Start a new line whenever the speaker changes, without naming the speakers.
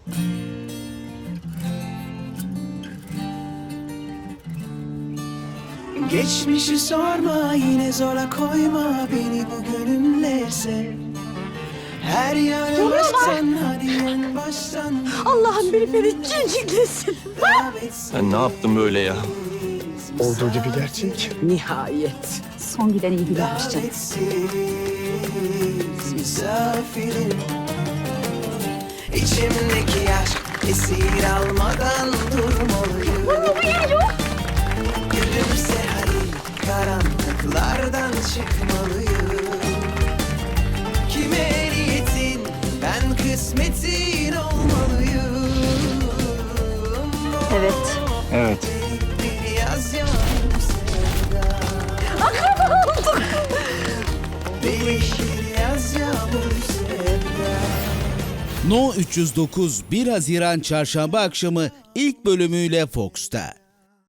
Geçmişi sorma, yine zora koyma beni bugünümle sev. Her yanı baştan, hadi en baştan.
Allah'ım beni ciciklesin.
Ben ne yaptım böyle ya?
Olduğu gibi gerçek.
Nihayet. Son giden iyi gidermiş canım.
Davetsiz misafirim. İçimdeki aşk esir almadan durmalıyım. Gülümse hadi, karanlıklardan çıkmalıyım. Kime niyetin, ben kısmetin olmalıyım.
Evet.
Evet.
Bir yaz yağmur sevda. Bir yaz yağmur sevda.
No 309 1 Haziran Çarşamba akşamı ilk bölümüyle Fox'ta.